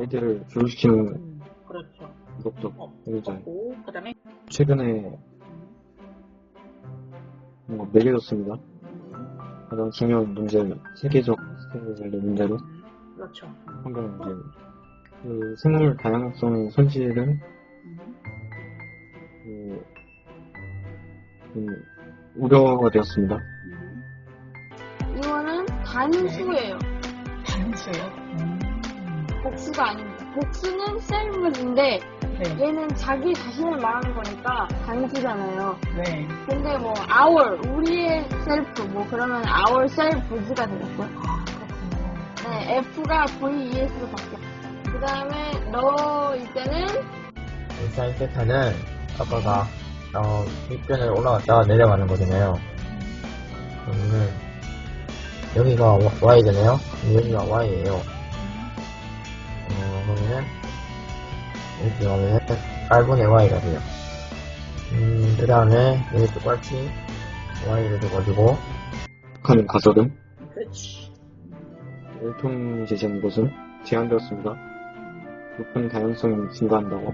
아이들을 교육시키는 그렇죠. 것도 굉장히 그렇고, 그 다음에, 최근에 뭔가 매겨졌습니다. 가장 중요한 문제, 세계적 스케일의 문제로 그렇죠. 환경 문제. 그 생물 다양성 손실은 우려가 되었습니다. 이거는 단수예요. 단수요? 복수가 아닙니다. 복수는 셀프인데 네. 얘는 자기 자신을 말하는 거니까 단수잖아요. 네. 근데 뭐 our 우리의 셀프 뭐 그러면 our selfs가 되겠고. 네, F가 VES로 바뀌어. 그 다음에 너일 때는 사인 세타는 아빠가 윗변을 올라갔다가 내려가는 거잖아요. 그러면은 여기가 Y잖아요. 여기가 Y예요. 그러면은 이렇게 가면은 8분의 Y가 돼요. 그 다음에 여기 똑같이 Y를 줘가지고 북한 가설은 그렇지. 일통 제시한 것은 제한되었습니다. 높은 다양성이 증가한다고.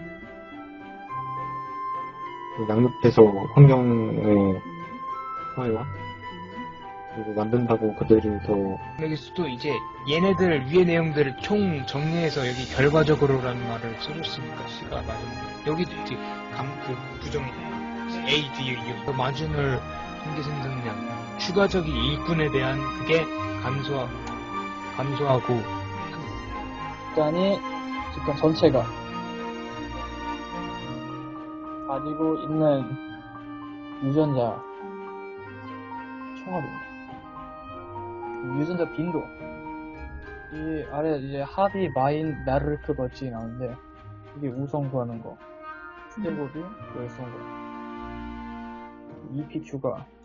양육해서 환경의 사회와 그리고 만든다고 그들이 더 여기서도 이제 얘네들 위의 내용들을 총 정리해서 여기 결과적으로라는 말을 써줬으니까 C가 맞은 여기도 이제 그 부정 A, D, U 마진을 통계 생성량 추가적인 일꾼에 대한 그게 감소하고 집단이 집단 전체가 가지고 있는 유전자 총합입니다. 유전자 빈도 이 아래 이제 합이 마인 나르크 버치 나오는데 이게 우성 구하는 거 스테고비 열성거 EPQ가